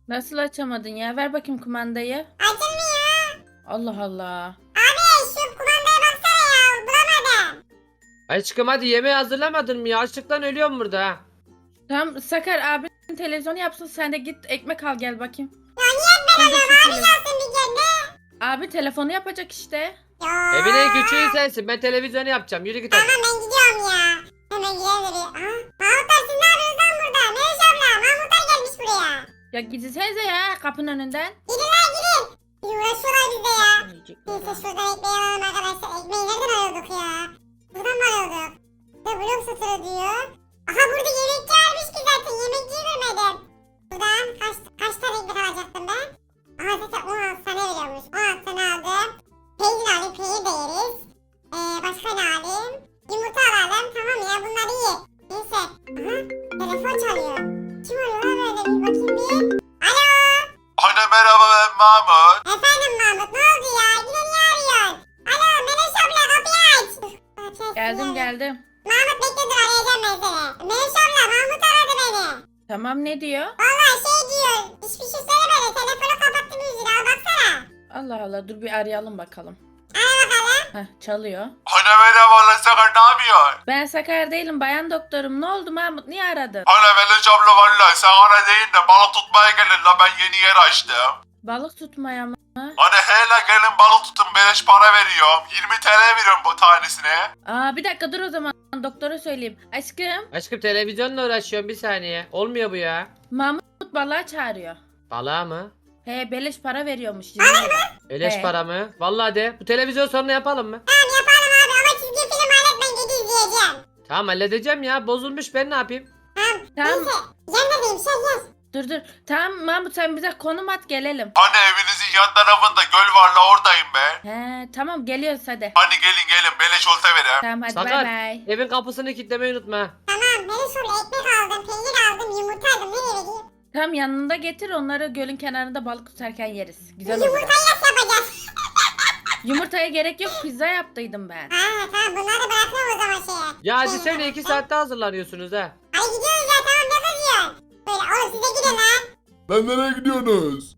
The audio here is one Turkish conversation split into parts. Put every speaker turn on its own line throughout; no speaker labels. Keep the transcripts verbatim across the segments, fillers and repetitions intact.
Nasıl açamadın ya? Ver bakayım kumandayı.
Açılmıyor.
Allah Allah.
Abi şu kumandaya baksana ya. Bulamadım.
Aşkım hadi yemeği hazırlamadın mı ya? Açlıktan ölüyorum burada ha.
Tamam Sakar abin televizyonu yapsın, sen de git ekmek al gel bakayım.
Ya niye ben
Sen de
alıyorum?
şu
Abi
tele-
gelsin bir kere.
Abi telefonu yapacak işte.
Ya.
Evin en küçüğü sensin. Ben televizyonu yapacağım. Yürü git hadi.
Tamam ben gidiyorum ya. Hemen gidelim de bir. Aha. Mahmutlar siz ne yapıyorsunuz lan burada? Melis abla. Mahmutlar gelmiş buraya.
Ya gitsenize ya kapının önünden.
Gidin lan gidin. Bir uğraşıyorlar bizde ya. Neyse şuradan ekmeği alalım arkadaşlar. Ekmeği nereden alıyorduk ya? Buradan mı alıyorduk? Burada blok satırı diyor. Aha burada yemekçi varmış ki zaten. Yemekçiyi görmedim. Buradan kaç, kaç tane ekmek alacaktım ben? Aha zaten on altı tane veriyormuş. on altı tane aldım. Peynir alayım. Peynir de yeriz. Ee, başka ne alayım? Yumurta alalım. Tamam ya bunlar iyi. Neyse. Aha telefon çalıyor. Kim arıyor lan böyle bir bakayım bir. Alo.
Anne merhaba ben Mahmut.
Efendim Mahmut ne oldu ya? Yine niye arıyorsun? Alo Melis abla kapıyı aç. Kapıyı
Geldim
açsın.
geldim.
Mahmut bekle dur arayacağım ben seni. Melis abla Mahmut aradı beni.
Tamam ne diyor?
Valla şey diyor. Hiçbir şey söylemedi. Telefonu kapattı müziği al baksana.
Allah Allah, dur bir arayalım bakalım.
Ara bakalım.
Heh, çalıyor.
Anne merhaba lan Sakar ne yapıyorsun?
Ben Sakar değilim, bayan doktorum. Ne oldu Mahmut, niye aradın?
Anne Meleş abla valla Sakar'a değil de balık tutmaya gelin la ben yeni yer açtım.
Balık tutmaya mı?
Anne hele gelin balık tutun beleş para veriyorum. yirmi T L veriyorum bu tanesine.
Aa bir dakika dur o zaman, doktora söyleyeyim. Aşkım,
Aşkım televizyonla uğraşıyorum bir saniye. Olmuyor bu ya.
Mahmut balığa çağırıyor.
Balığa mı?
He beleş para veriyormuş. yirmi lira.
Eleş
He.
para mı? Vallahi de. Bu televizyon sonra yapalım mı?
Tamam yapalım abi ama çizgi film halletmeyin gece izleyeceğim.
Tamam halledeceğim ya. Bozulmuş ben ne yapayım?
Tamam.
Tamam
Neyse. Yanındayım şey yaz.
dur dur. Tamam Mahmut, sen bize konum at gelelim.
Anne evinizin yan tarafında göl var la oradayım ben.
He tamam geliyoruz hadi.
Hadi gelin gelin beleş olta vereyim.
Tamam hadi
Sakar.
bay bay.
Evin kapısını kilitlemeyi unutma. ha.
Tamam Melis abla ekmek aldım. Peynir aldım. Yumurta aldım. Nereye vereyim?
Tamam yanında getir, onları gölün kenarında balık tutarken yeriz. Güzel olur.
Yumurtayı nasıl yapacağız?
Yumurtaya gerek yok, pizza yaptıydım ben.
Ha tamam bunları da bırakıyorum o zaman şeye.
Ya hadi söyle iki saatte hazırlanıyorsunuz ha.
Hadi gidiyoruz ya tamam ne kızıyorsun? Böyle oğlum siz de gidin lan.
Lan nereye gidiyorsunuz?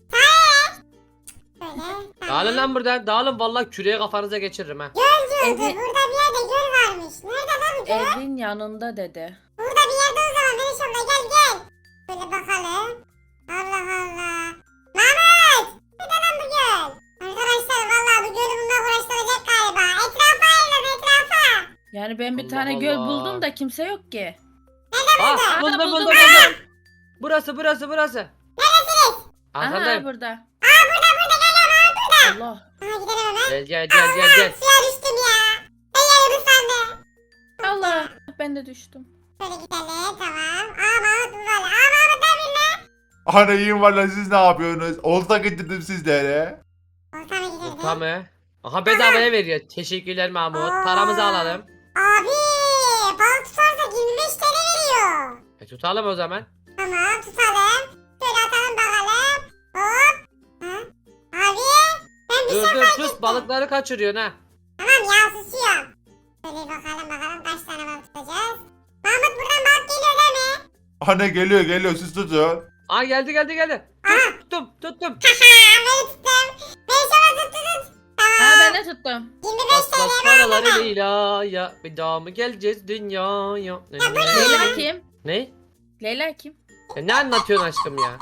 Böyle tamam.
Dağılın lan buradan. Dağılın vallahi küreği kafanıza geçiririm ha.
Göl diyordu.
Evi-
Burada bir yerde göl varmış. Nerede lan bu göl?
Evin yanında dedi.
Burada bir yerde o zaman Melis abla gel gel. Böyle bakalım. Allah Allah. Mahmut! Nerede lan bu göl? Arkadaşlar vallahi bu gölü bununla uğraştıracak galiba. Etrafa ayrılın etrafa.
Yani ben bir
Allah
tane göl
Allah.
buldum da kimse yok ki.
Ah
Aa,
buldum
buldum,
buldum
buldum.
buldum. Burası burası burası.
Neredesiniz?
Aha
Arkandayım.
burada.
Aa burada burada gel ya Mahmut burada.
Allah.
Aha gidelim hemen.
Gel gel gel gel gel.
Suya düştüm ya. Ben yerim ıslandı.
Allah. Ben de düştüm.
Şöyle gidelim tamam. Aa Mahmut bu böyle. Aa Mahmut ne yapıyorsun lan?
Anne iyiyim valla siz ne yapıyorsunuz? Olta getirdim sizlere.
Oltama gidelim.
Tamam. Aha bedavaya veriyor. Teşekkürler Mahmut. Paramızı alalım.
Abi balık tutarsak yirmi beş T L veriyor.
E, tutalım o zaman.
Tamam tutalım. Şöyle atalım bakalım. Hop. Ha? Abi ben bir
Dur
şey
dur
fark
sus
ettim.
balıkları kaçırıyorsun ha.
Tamam ya susuyorum. Şöyle bakalım bakalım kaç tane balık tutacağız. Mahmut buradan balık geliyor değil mi?
Anne geliyor geliyor siz tutun.
Aa geldi geldi geldi.
Aha.
Tuttum tuttum.
Haha beni tuttum. Beni şöyle tuttu tut.
Ha
Tamam.
ben de tuttum.
yirmi beş
Bas
T L
bas
var
paraları
değil mi?
Leyla ya. Bir daha mı geleceğiz dünyaya? Ne, ne, ne,
Leyla
ne?
kim?
Ne?
Leyla kim?
E, ne anlatıyorsun aşkım ya?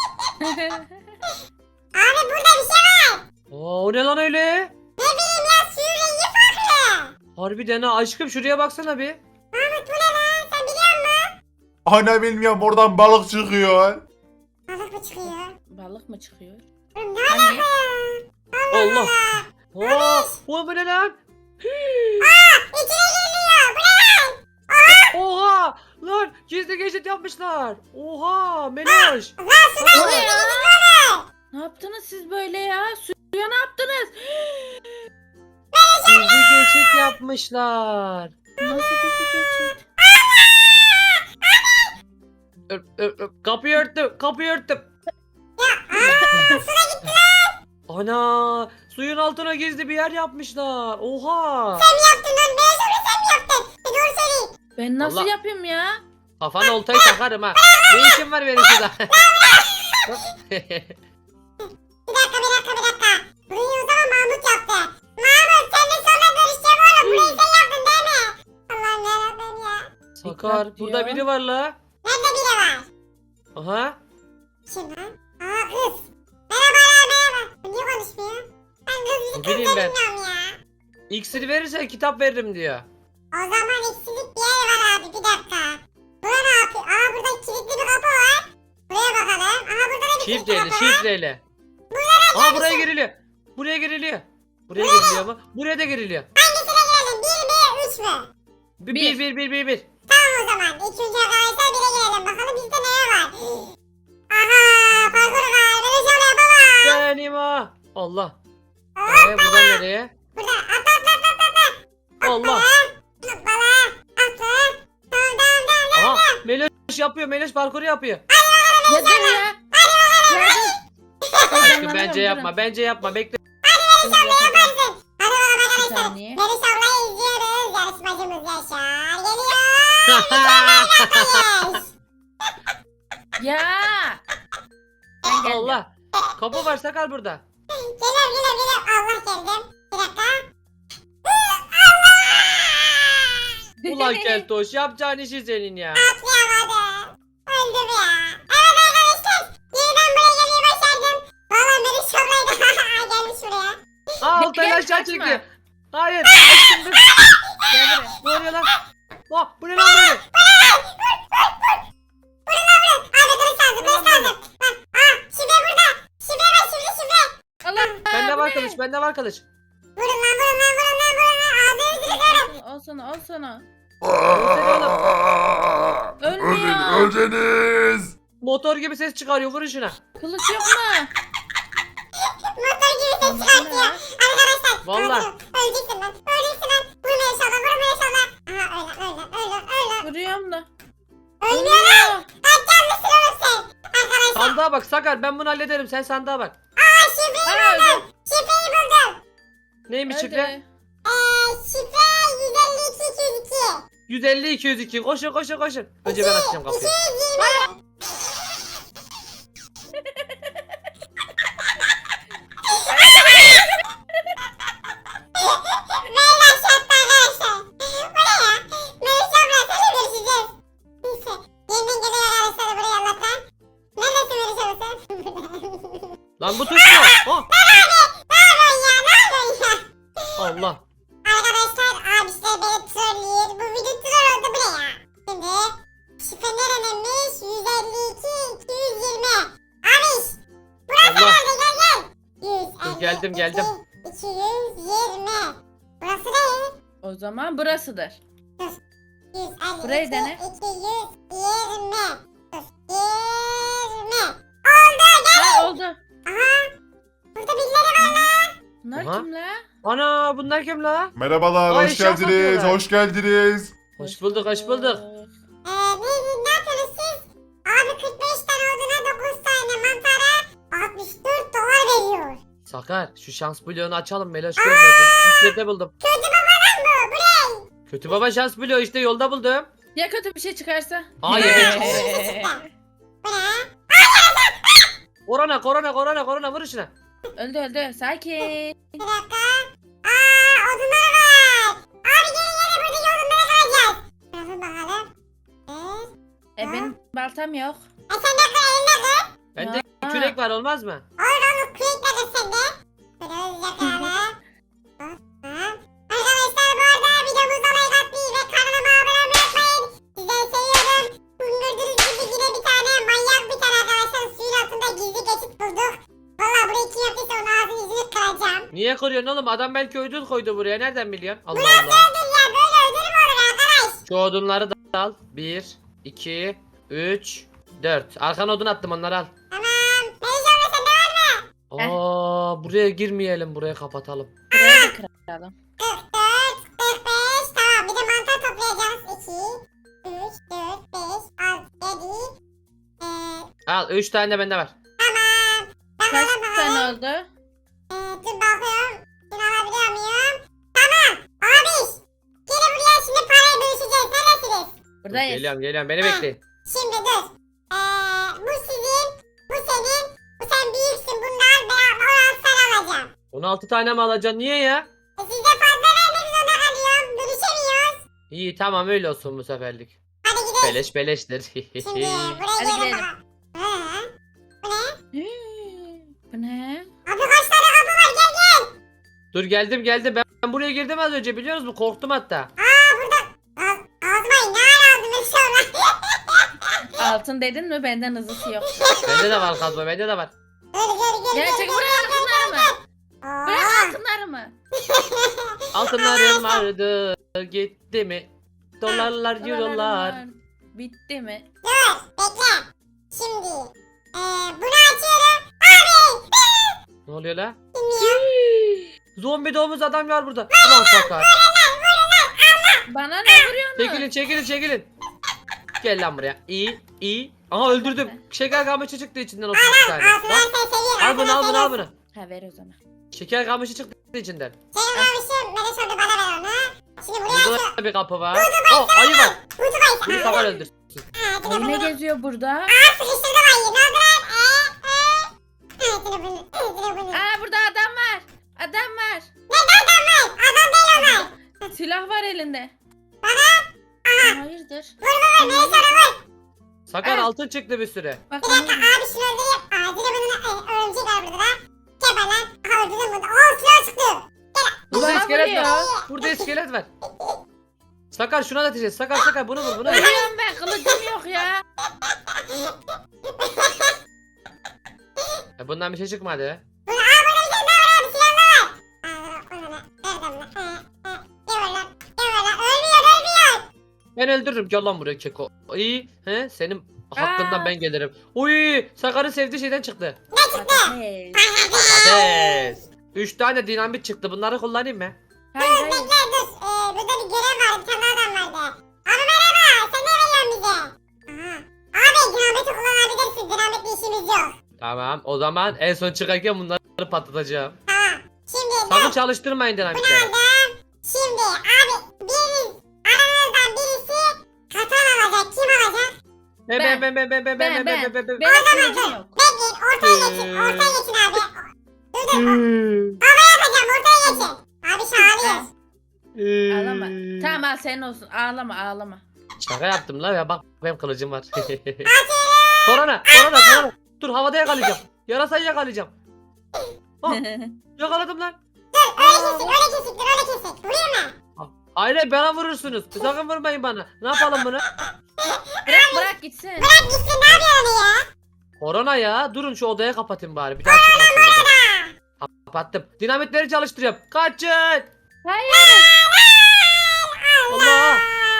Abi burada bir şey var.
Oo, o ne lan öyle?
Ne bileyim ya suyun rengi farklı.
Harbiden ha aşkım şuraya baksana bir.
Mahmut bu ne lan sen biliyor musun?
Anne bilmiyorum oradan balık çıkıyor.
Balık mı çıkıyor?
Balık mı çıkıyor?
Oğlum ne
Hani?
alaka ya?
Allah. Oo, o bu ne lan?
İçine geliyor. Bu ne lan?
Oha! Lan gizli geçit yapmışlar. Oha Meloş.
Lan sudan
O ne
gizli
ya?
gizli olur.
Ne yaptınız siz böyle ya? Suya ne yaptınız?
Gizli geçit yapmışlar.
Nasıl gizli geçit?
Öp, öp, öp. Kapıyı örttüm. Kapıyı örttüm. Ana suyun altına gizli bir yer yapmışlar. Oha.
Sen mi yaptın lan? Ne yaşamı sen mi yaptın? Bir doğru söyleyin.
Ben nasıl
Allah.
yapayım ya?
Kafana oltayı takarım ha. Ne işin var benim şurada?
Bir dakika bir dakika bir dakika. Burayı o zaman Mahmut yaptı. Mahmut sen de sonra görüşeceğim oğlum. Burayı sen yaptın değil mi? Allah'ım yarabbim ya.
Sakar
Dikkat
burada
diyor.
biri var la.
Nerede biri var?
Aha.
Kim lan? Aa kız. Merhabalar merhaba. Bu niye konuşmuyor? Ben kız
Ne
bir kız
bileyim
da
ben.
bilmiyorum ya.
İksiri verirsen kitap veririm diyor.
O zaman eksilik bir yer var abi bir dakika. Bura ne yapıyor? Aa burada kilitli bir kapı var. Buraya bakalım. Aha burada da bir kilitli
Şifreli
kapı var.
şifreli. Aa buraya giriliyor. Buraya giriliyor. Buraya giriliyor mu? Buraya da giriliyor.
Hangisine girelim? Bir mi? Üç mü?
Bir
Bir.
bir bir bir bir. bir.
Tamam o zaman. İlk önce arkadaşlar bire girelim. Bakalım bizde ne var? Aha parkur var. Böyle şöyle yapamam.
Benim ha. Allah. Ee, buradan nereye?
Burada atla atla atla atla.
Allah.
Hoppala. Atla. Tamam tamam tamam.
Aha Meloş yapıyor. Meloş parkuru yapıyor.
Ya dur ya. Ya dur.
Aşkım bence yapma. Bence yapma. Bekle.
Yaparsın. Hadi bakalım
Bir
arkadaşlar.
saniye.
Melis ablayı izliyoruz. Yarışmacımız Yaşar geliyor. Yes.
Ya. Ben geldim.
Allah. Kapı var Sakar burada.
Geliyorum geliyorum geliyorum. Allah geldim. Bir dakika.
Ulan Keltoş yapacağın işi senin ya.
Atlayamadım. Öldüm ya. Evet arkadaşlar. Yeniden buraya gelmeyi başardım. Valla Melis ablayı da gelmiş buraya.
Aa
Bekle,
Altay'ı aşağı
kaçma.
çekiyor. Hayır. Aşkım dur.
Gel buraya.
Ne oluyor lan? Oh, bu ne lan böyle?
Abi kılıç lazım kılıç lazım. Bak, aa şifre burada. Şifre var şifre şifre.
Allah.
Bende
bu
var
ne?
kılıç. Bende var kılıç.
Vurun lan vurun lan vurun lan vurun lan. Ağzını yüzünü
Al sana al sana.
Öldün,
Ölmüyor.
öldünüz.
Motor gibi ses çıkarıyor. Vurun şuna.
Kılıç yok mu?
motor gibi ses çıkartıyor. Arkadaşlar.
Vallahi.
öldüm. Öleceksin lan. Öleceksin lan. Vurma inşallah vurma inşallah. Aha öyle öyle öyle öyle.
Vuruyorum da.
Ölmüyor lan. Kaç canlısın oğlum sen. Arkadaşlar.
Sandığa bak Sakar. Ben bunu hallederim. Sen sandığa bak.
Aa şifreyi
Aa,
buldum. Şifreyi buldum.
Neymiş
Öldü.
şifre?
Eee şifre yüz elli iki iki yüz iki.
yüz elli iki yüz iki. Koşun koşun koşun. Önce ben açacağım kapıyı.
iki yüz yirmi. Beyler şartlı arkadaşlar. Bu ne ya? Melis abla seni görüşeceğiz. Neyse. Yeniden geliyor arkadaşlar buraya Allah'tan. Neredesin Melis abla sen?
Lan bu tuş mu? Oh.
Ne yapıyorsun ya? Ne yapıyorsun ya?
Allah.
Arkadaşlar abişler beni trollüyor. Bu video troll oldu bu ne ya? Şimdi şifre nereninmiş? yüz elli iki iki yüz yirmi. Abiş. Burası
Allah.
nerede? Gel gel. yüz elli iki
Geldim, geldim.
iki yüz yirmi. Burası ne?
O zaman burasıdır.
yüz elli
Burayı
iki
dene.
iki yüz yirmi. Dur. yirmi. Oldu gel.
Ha oldu.
Aha. Burada birileri var lan.
Bunlar
Aha.
kim la?
Ana bunlar kim la?
Merhabalar,
Ay,
hoş
şaka
geldiniz,
yapıyorlar.
hoş geldiniz.
Hoş bulduk hoş bulduk.
Ee, ne, ne yapıyorsunuz siz? Abi kırk beş tane oduna dokuz tane mantara altmış dört dolar veriyor.
Sakar şu şans bloğunu açalım Meloş görmesin. İçeride buldum.
Kötü babadan bu. Bu ne?
Kötü baba şans bloğu işte yolda buldum.
Ya kötü bir şey çıkarsa?
Hayır.
Ee,
Bu ne?
Korona korona korona korona vur şuna.
öldü öldü. Sakin.
Bir dakika. Aa odunlar var. Abi gelin gelin buradaki odunlara kalacağız. Bakın bakalım. Ee,
E benim baltam yok.
e sen de kır elinde kır.
Bende
Ya.
kürek var olmaz mı?
Olur olur kürek de kır sen de. Böyle hızlıca kıralım. Hop, hop. Arkadaşlar bu arada videomuza like atmayı ve kanalıma abone olmayı unutmayın. Sizleri seviyorum. Bugün gördüğünüz gibi yine bir tane manyak bir tane arkadaşlar suyun altında gizli geçit bulduk. Valla burayı kim yaptıysa onun ağzını yüzünü kıracağım.
Niye kırıyorsun oğlum? Adam belki ödül koydu buraya. Nereden biliyorsun? Allah
Nasıl
Allah.
ödül ya böyle ödül mü olur arkadaş?
Şu odunları da al. bir, iki, üç, dört. Arkana odun attım onları al.
Tamam. Melis abla sende var mı?
Aa buraya girmeyelim. Buraya kapatalım.
Buraya da kıralım.
kırk dört, kırk beş. Tamam bir de mantar toplayacağız. iki, üç, dört, beş, altı, yedi. Ee,
Al üç tane de bende var.
tamam.
Kaç
Bakalım bakalım.
tane oldu?
Ee, dur bakıyorum. Şunu alabiliyor muyum? Tamam. Abiş. Gelin buraya şimdi parayı bölüşeceğiz. Neredesiniz?
Dur,
Buradayız.
geliyorum geliyorum. Beni
Ha.
bekleyin.
Şimdi dur. Ee, bu sizin. Bu senin. Bu sen büyüksün. Bundan ben on altı tane alacağım.
on altı tane mi alacaksın? Niye ya?
E siz de fazla vermek zorunda kalıyorum. Dönüşemiyoruz.
İyi tamam öyle olsun bu seferlik.
Hadi gidelim.
Beleş beleştir.
Şimdi buraya
Hadi
gelin
gidelim.
bakalım. Hı. Bu ne?
Bu ne?
Abi kaç tane kapı var? Gel gel.
Dur geldim geldim. Ben, ben buraya girdim az önce biliyor musun? Korktum hatta.
Aa burada. Ağz, ağzıma ne ara aldım ben sonra.
Altın dedin mi benden hızlısı yok.
Bende de var kazma bende de var.
Gel gel gel.
Gerçek
gel,
buraya
gel, gel,
altınlar
gel,
mı?
gel.
Buraya
Oo.
altınlar mı?
Altınlarım vardı gitti mi? Dolarlar eurolar.
Dolarlar bitti mi?
Dur bekle. Şimdi. Eee bunu açıyorum. Abi.
Ne oluyor la?
Bilmiyorum.
Zombi domuz adam var burada. Ulan sakar.
Bana ne vuruyorsun?
Çekilin çekilin çekilin. Gel lan buraya. İyi iyi. Aha öldürdüm. Şeker kamışı çıktı içinden otuz tane.
Altınları
Bak,
sen seviyorsun.
al bunu al bunu al
altınları
bunu.
Ha ver o zaman.
Şeker kamışı çıktı içinden.
seviyorsun. Senin almışım. Bana sonra bana ver onu. Şimdi buraya
Burada
açıyorum.
da bir kapı var. Oh ayı var.
Kutu bayısı.
Bunu sakar öldürsün.
Ha,
Ay ne geziyor burada?
Aa sıkıştırdım ayıyı. Ne oldu lan? Eee eee. Ha bunu. Ha bunu.
Aa burada adam var. Adam var.
Ne adam var? Adam değil onlar.
Silah var elinde.
Bana.
Hayırdır?
Vur vur vur. Beni sana vur.
Sakar
Evet.
altın çıktı bir sürü.
Bak
Bir
onu
dakika abi şunu öldüreyim. Aa dile bunun e, örümcek var burada lan. Geber lan. Aha öldürdüm bunu. Aa silah çıktı.
Burada
Bana
iskelet
vuruyor.
var. Burada iskelet var. Sakar şuna da ateş. Sakar sakar bunu vur bunu vur.
Ölüyorum ben kılıcım yok ya.
Ya bundan bir şey çıkmadı.
Bunu aa burada bir tane daha var abi. Silahlar var. Aa o ne lan? Nereden lan? Ha ha. Geber lan. Geber lan. Ölmüyor ölmüyor.
Ben öldürürüm. Gel lan buraya keko. İyi. He? Senin hakkından
Aa.
ben gelirim. Uy, Sakar'ın sevdiği şeyden çıktı.
Hey.
Ateş. Üç tane dinamit çıktı. Bunları kullanayım mı?
Hayır hayır.
Bekle dur. Ee, burada bir görev var. Bir tane daha adam vardı. Abi merhaba. Sen ne veriyorsun bize? Aha. Abi dinamiti kullanabilirsin. Dinamitle işimiz yok.
Tamam. O zaman en son çıkarken bunları patlatacağım.
Tamam. Şimdi
Sakın
dur.
çalıştırmayın
Bunu
dinamitleri.
aldım. Şimdi abi biriniz aranızdan birisi katan alacak. Kim alacak?
Ben ben ben ben ben ben ben ben ben ben ben.
Benim kılıcım yok.
Bekleyin. Ortaya geçin.
Ee.
Ortaya geçin abi. Dur dur.
Hmm.
Yapacağım. Ortaya geçin. Abi şağılıyız.
Ağlama. Tamam al senin olsun. Ağlama ağlama.
Şaka yaptım la ya bak benim kılıcım var. Korona, korona, korona. Dur havada yakalayacağım. Yarasayı yakalayacağım. Ah, yakaladım lan.
Öyle kesik. Öyle kesik. Dur öyle kesik. Vurayım mı?
Hayır bana vurursunuz. Sakın vurmayın bana. Ne yapalım bunu?
Bırak bırak gitsin.
Bırak gitsin. Ne yapıyor onu ya?
Korona ya. Durun şu odaya kapatayım bari. Bir daha çıkmasın buradan. Kapattım. Dinamitleri çalıştırıyorum. Kaçın.
Hayır.
Allah.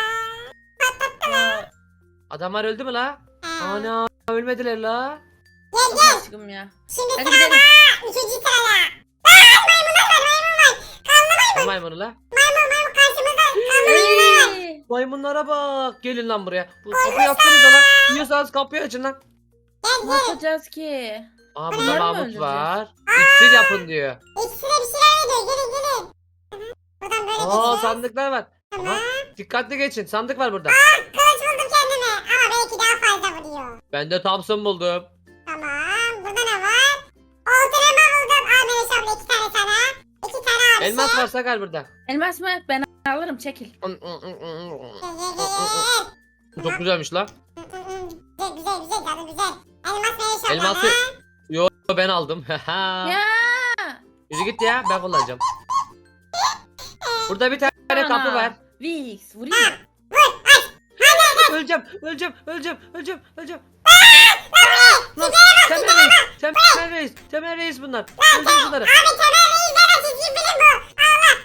Ya,
Adamlar öldü mü la?
Aa.
Ana ölmediler la.
Gel gel.
aşkım ya.
Şimdi
Hadi
sırada
gidelim.
üçüncü sırada. Aa, maymunlar var maymun var. Kanlı
Ne maymunu la?
maymun maymun karşımızda. Kanlı maymunlar var.
Ey,
Maymunlara bak. Gelin lan buraya. Bu kapıyı açsanıza lan. Yiyorsanız kapıyı açın lan.
Gel
Ne
gel.
yapacağız ki?
Aa
Bunları
burada
mı
Mahmut
öldüreceğiz?
var. İksir yapın diyor.
İkisi de bir şeyler veriyor. Gelin gelin. Aha, buradan böyle
Aa
geçeceğiz.
sandıklar var.
Tamam.
Aha, dikkatli geçin. Sandık var burada.
Kılıç buldum kendime. Ama belki daha fazla vuruyor.
Ben de Thompson buldum.
Tamam. Burada ne var? Ortalama buldum. Al Melis abla iki tane sana. İki tane abi.
Elmas var Sakar burada.
Elmas mı? Ben alırım çekil.
Gel gel gel.
Çok güzelmiş lan.
Güzel güzel güzel canım güzel. Elmas Melis abla.
Elması
ha?
yo ben aldım.
Ya.
Yürü git ya ben kullanacağım. Burada bir tane kapı var.
Vix vuruyor.
Öleceğim, öleceğim, öleceğim, öleceğim, öleceğim. Lan Temel Reis, Temel Reis, Temel Reis bunlar. Öldürün bunları.
Abi temel reis deme çizgi film bu. Allah.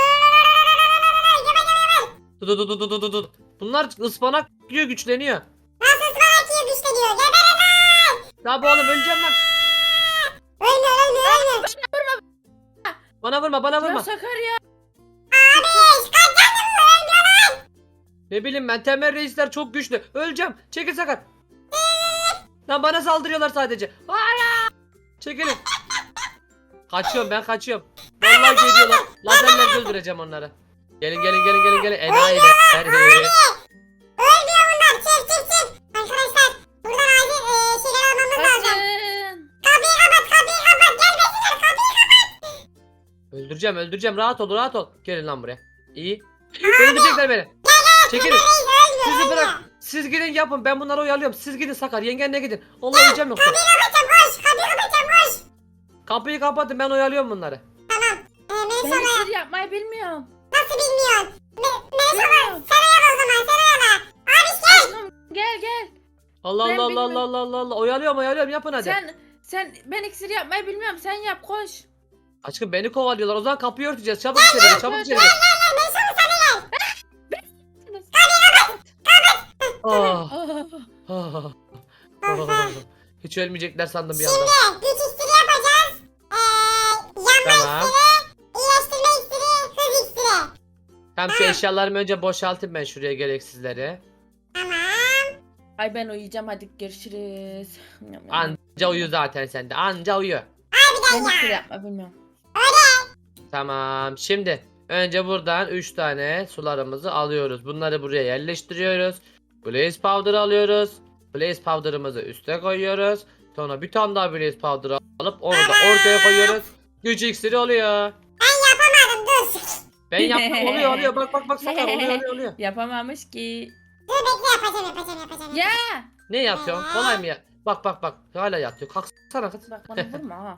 Yeme yeme yeme.
Dur dur dur dur dur dur. Bunlar ıspanak yiyor güçleniyor.
Nasıl ıspanak yiyor güçte diyor. Geberin lan.
Ya bu oğlum öleceğim lan.
Ölmüyor ölmüyor ölmüyor.
Bana vurma, bana
Ya
vurma.
Sakar ya.
Abi kaç canım var ölmüyor lan.
Ne bileyim ben Temel Reisler çok güçlü. Öleceğim. Çekil Sakar. Lan bana saldırıyorlar sadece. Hayır. Çekilin. Kaçıyorum ben kaçıyorum. Vallahi geliyorlar. Lazerlerle öldüreceğim onları. Gelin gelin gelin gelin gelin. Enayiler.
Ölmüyor bunlar. Çık çık çık. Arkadaşlar buradan acil e, şeyler almamız lazım.
Kaçın.
Öldüreceğim öldüreceğim rahat ol rahat ol. Gelin lan buraya. İyi. Öldürecekler beni. Çekilin. Sizi bırak. Siz gidin yapın ben bunları oyalıyorum. Siz gidin Sakar yengenle gidin. Allah yiyeceğim yoksa.
Kapıyı kapatacağım koş. Kapıyı kapatacağım koş.
Kapıyı kapatın ben oyalıyorum bunları.
Tamam. Ee, Melis
Ben
abla
iksir yapmayı bilmiyorum.
nasıl bilmiyorsun? Me Melis abla
Bilmiyorum.
sen oyala o zaman sen oyala. Abi gel.
Aşkım, Gel gel.
Allah
Ben
Allah Allah
bilmiyorum.
Allah Allah Allah Allah. Oyalıyorum oyalıyorum yapın hadi.
Sen sen ben iksir yapmayı bilmiyorum. Sen yap koş.
Aşkım beni kovalıyorlar. O zaman kapıyı örteceğiz. Çabuk içeri gir. Çabuk içeri gir.
Melis abla sen de gel.
Ah,
Oh.
ah, ah. Hiç ölmeyecekler sandım bir anda.
Şimdi güç iksiri yapacağız. Ee, yanma
Tamam.
iksiri, iyileştirme iksiri, hız iksiri.
Tamam şu eşyalarımı önce boşaltayım ben şuraya gereksizleri.
Tamam.
Ay ben uyuyacağım hadi görüşürüz.
Anca uyu zaten sende. Anca uyu.
Ben iksir yapmayı bilmiyorum.
Tamam. Şimdi önce buradan üç tane sularımızı alıyoruz. Bunları buraya yerleştiriyoruz. Blaze powder alıyoruz. Blaze powder'ımızı üste koyuyoruz. Sonra bir tane daha blaze powder alıp onu da ortaya koyuyoruz. Güç iksiri oluyor.
Yapamadım dur.
Ben yaptım oluyor oluyor. Bak bak bak Sakar oluyor oluyor oluyor.
Yapamamış ki.
Dur bekle yapacağım yapacağım yapacağım.
Ya.
Ne yapıyorsun? Kolay mı ya? Bak bak bak. Hala yatıyor. Kalksana kız.
Bak bana vurma ha.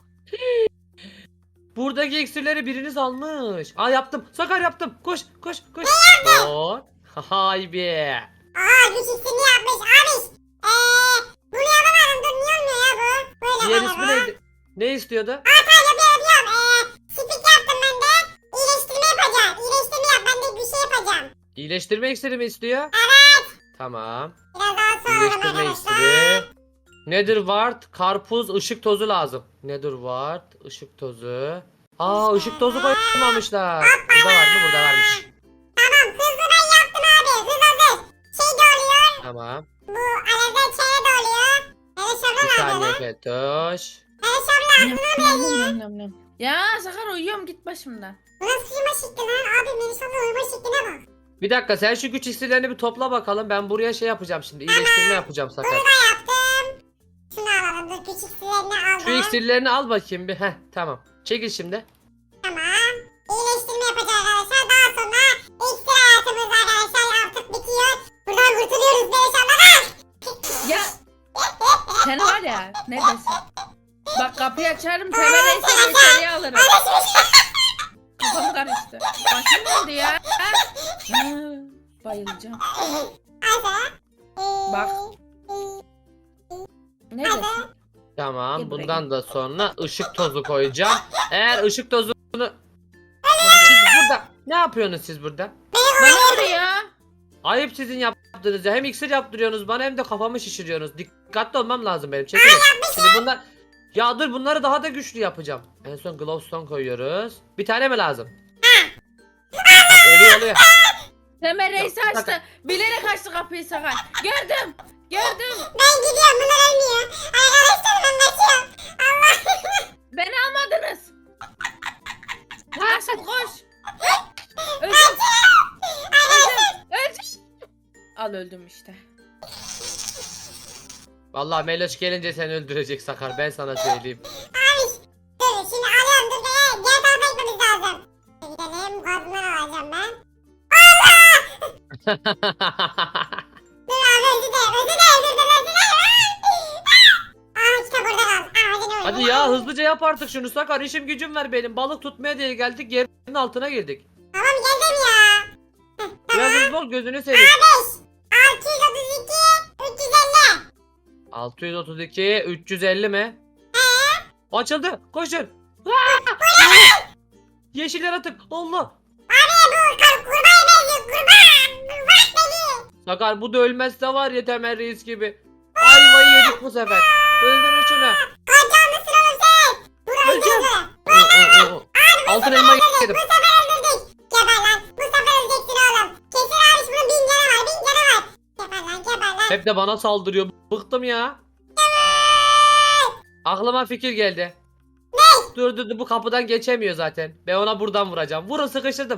Buradaki iksirleri biriniz almış. Aa yaptım. Sakar yaptım. Koş koş koş. Oo. Hay be.
Aa güç iksirini yapmış abi. Eee bunu yapamadım dur niye olmuyor ya bu? Böyle
Diğer
böyle
ismi
bu.
neydi? Ne istiyordu?
Aa tamam yapıyorum yapıyorum. Eee spik yaptım ben de. İyileştirme yapacağım. İyileştirme yap ben de bir şey yapacağım.
İyileştirme iksiri mi istiyor?
Evet.
Tamam.
Biraz daha sonra
İyileştirme
arkadaşlar.
iksiri. Nedir wart? Karpuz, ışık tozu lazım. Nedir wart? Işık tozu. Aa ışık tozu koymamışlar. Burada var mı? Burada varmış.
Tamam hızlı ben yaptım abi. Hız hazır. Şey de oluyor.
Tamam.
Bu alevden çene de oluyor. Melis abla
Bir
ne
saniye
yapıyor?
Fetoş.
Melis abla aklına mı geliyor?
Nam, nam, nam. Ya Sakar uyuyorum git başımdan.
Bu nasıl uyuma şekli lan? Abi Melis abla uyuma şekline bak.
Bir dakika sen şu güç iksirlerini bir topla bakalım. Ben buraya şey yapacağım şimdi. İyileştirme yapacağım Sakar.
Bunu da yaptım. Şunu alalım dur küçük silerini aldım.
Şu iksirlerini al bakayım bir. Heh tamam. Çekil şimdi.
Tamam. İyileştirme yapacağız arkadaşlar. Daha sonra iksir hayatımız arkadaşlar artık bitiyor. Buradan kurtuluyoruz Melis abla.
Ya. Sen var ya neredesin? Bak kapıyı açarım Temel Reis'i içeriye alırım. Kafam karıştı. Başım döndü ya. Ha, bayılacağım.
Hadi.
Bak. Ne diyorsun?
Tamam.
Gel buraya,
Bundan da sonra ışık tozu koyacağım. Eğer ışık tozunu... Siz burada... Ne yapıyorsunuz siz burada?
Bana vuruyor.
Ayıp sizin yaptığınız ya. Hem iksir yaptırıyorsunuz bana hem de kafamı şişiriyorsunuz. Dikkatli olmam lazım benim. Çekilin. Şimdi bunlar... Ya dur bunları daha da güçlü yapacağım. En son glowstone koyuyoruz. Bir tane mi lazım? oluyor oluyor.
Temel Reis
Yok,
açtı.
Sakar.
Bilerek açtı kapıyı Sakar. Gördüm. Gördüm.
Ben gidiyorum bunlar ölmüyor. Arkadaşlar ben kaçıyorum. Allah.
Beni almadınız. Aşkım koş. Öldüm. Öldüm. Öldüm. Al öldüm işte.
Vallahi Meloş gelince seni öldürecek Sakar. Ben sana söyleyeyim.
Abi dur şimdi alıyorum dur be. Diğer tarafa gitmemiz lazım. Gidelim gazından alacağım ben. Dur abi özür dilerim özür dilerim özür dilerim özür dilerim. Aa kitap orada kaldı. Aa özür dilerim.
Hadi ya hızlıca yap artık şunu Sakar. İşim gücüm var benim. Balık tutmaya diye geldik. Yerin altına girdik.
Tamam geldim ya.
Biraz hızlı ol gözünü seveyim.
altı yüz otuz iki üç yüz elli.
altı yüz otuz iki üç yüz elli mi? Açıldı. Koşun. Aa! Yeşil yaratık. Allah.
Kar kurbağaya benziyor kurban. Kurban beni.
Sakar bu da ölmezse var ya Temel Reis gibi. Ayvayı yedik bu sefer. Öldürün şunu.
Kaçar mısın oğlum sen? Dur
Öleceğim.
öldürdü.
Oo, oo, oo. Altın elma yedim.
Bu sefer öldürdük. Geber lan. Bu sefer öleceksin oğlum. Kesin abi bunun bin canı var. Bin canı var. Geber lan geber lan.
Hep de bana saldırıyor. Bıktım ya. Aklıma fikir geldi. Ne? Dur dur dur bu kapıdan geçemiyor zaten. Ben ona buradan vuracağım. Vurun sıkıştırdım.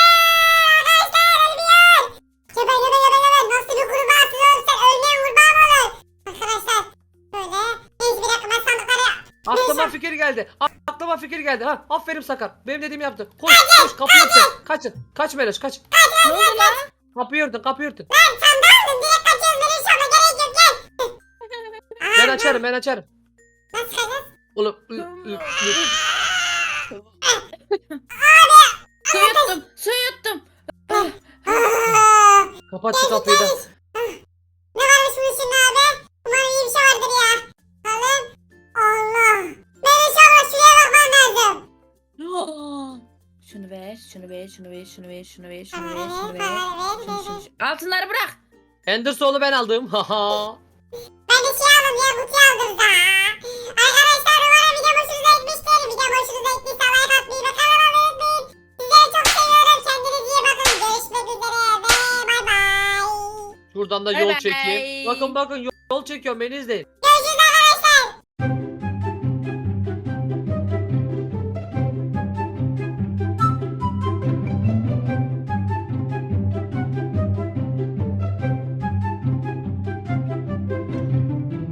Geber geber geber geber. Nasıl bir kurbağasın oğlum sen? Ölmeyen kurbağa mı olur? Arkadaşlar. Böyle. Neyse bir dakika ben sandıkları.
Aklıma fikir geldi. aklıma fikir geldi. Ha, aferin Sakar. Benim dediğimi yaptı. Koş koş kapıyı örtün. Kaçın. Kaç Meloş kaç.
Ne oldu lan?
Kapıyı örtün kapıyı örtün.
Lan sen de aldın direkt kaçıyoruz benim şu anda gerek yok gel.
Ben açarım ben açarım.
Nasıl kaçacağız?
Oğlum. ı, ı, ı.
Su yuttum. Su yuttum.
Aa,
Kapat şu kapıyı da.
ne varmış bunun içinde abi? Umarım iyi bir şey vardır ya. Bakalım. Allah. Melis abla şuraya bakman lazım.
Şunu ver, şunu ver, şunu ver, şunu ver, şunu ver, şunu
Bana
ver, şunu
ver,
ver.
bana ver,
Şunu,
ver,
şunu,
ver.
şunu. Altınları bırak.
Endersoul'u ben aldım. Haha.
Ben de şey aldım ya kutuyu aldım da. Arkadaşlar umarım video hoşunuza gitmiştir. Video hoşunuza gittiyse like atmayı ve kanalıma abone olmayı. Sizleri çok seviyorum. Kendinize iyi bakın. Görüşmek üzere ve bay bay.
Şuradan da
Bay
yol
bay.
çekeyim. Bakın bakın yol, yol çekiyorum beni izleyin.